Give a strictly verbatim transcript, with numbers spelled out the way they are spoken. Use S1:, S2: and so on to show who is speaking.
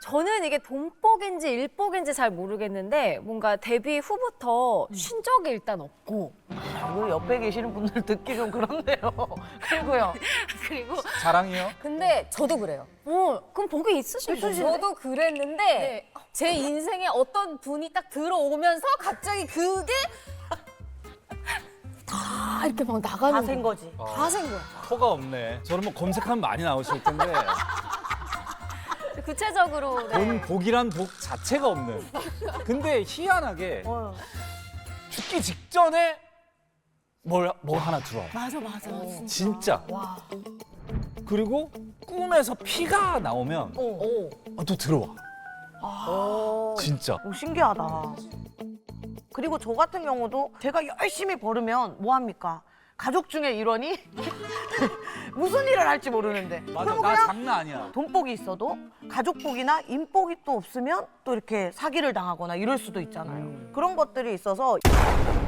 S1: 저는 이게 돈복인지 일복인지 잘 모르겠는데 뭔가 데뷔 후부터 쉰 적이 일단 없고
S2: 이거 옆에 계시는 분들 듣기 좀 그렇네요. 그리고요.
S1: 그리고
S3: 자랑이요?
S4: 근데 저도 그래요.
S1: 어 그럼 복이 있으신 거죠?
S4: 저도 그랬는데
S1: 네.
S4: 제 인생에 어떤 분이 딱 들어오면서 갑자기 그게
S1: 다 이렇게 막 나가는
S2: 다 센 거지.
S1: 다 센 거야.
S3: 터가 없네. 저는 뭐 검색하면 많이 나오실 텐데
S1: 구체적으로 네.
S3: 돈 복이란 복 자체가 없는. 근데 희한하게
S2: 어.
S3: 죽기 직전에 뭘, 뭘 하나 들어와.
S1: 맞아 맞아.
S3: 진짜. 그리고 꿈에서 피가 나오면
S2: 어.
S3: 아, 또 들어와. 진짜.
S2: 오, 신기하다. 그리고 저 같은 경우도 제가 열심히 벌으면 뭐 합니까? 가족 중에 일원이 무슨 일을 할지 모르는데
S3: 맞아,
S2: 그럼
S3: 나
S2: 그냥
S3: 장난 아니야.
S2: 돈복이 있어도 가족복이나 인복이 또 없으면 또 이렇게 사기를 당하거나 이럴 수도 있잖아요. 그런 것들이 있어서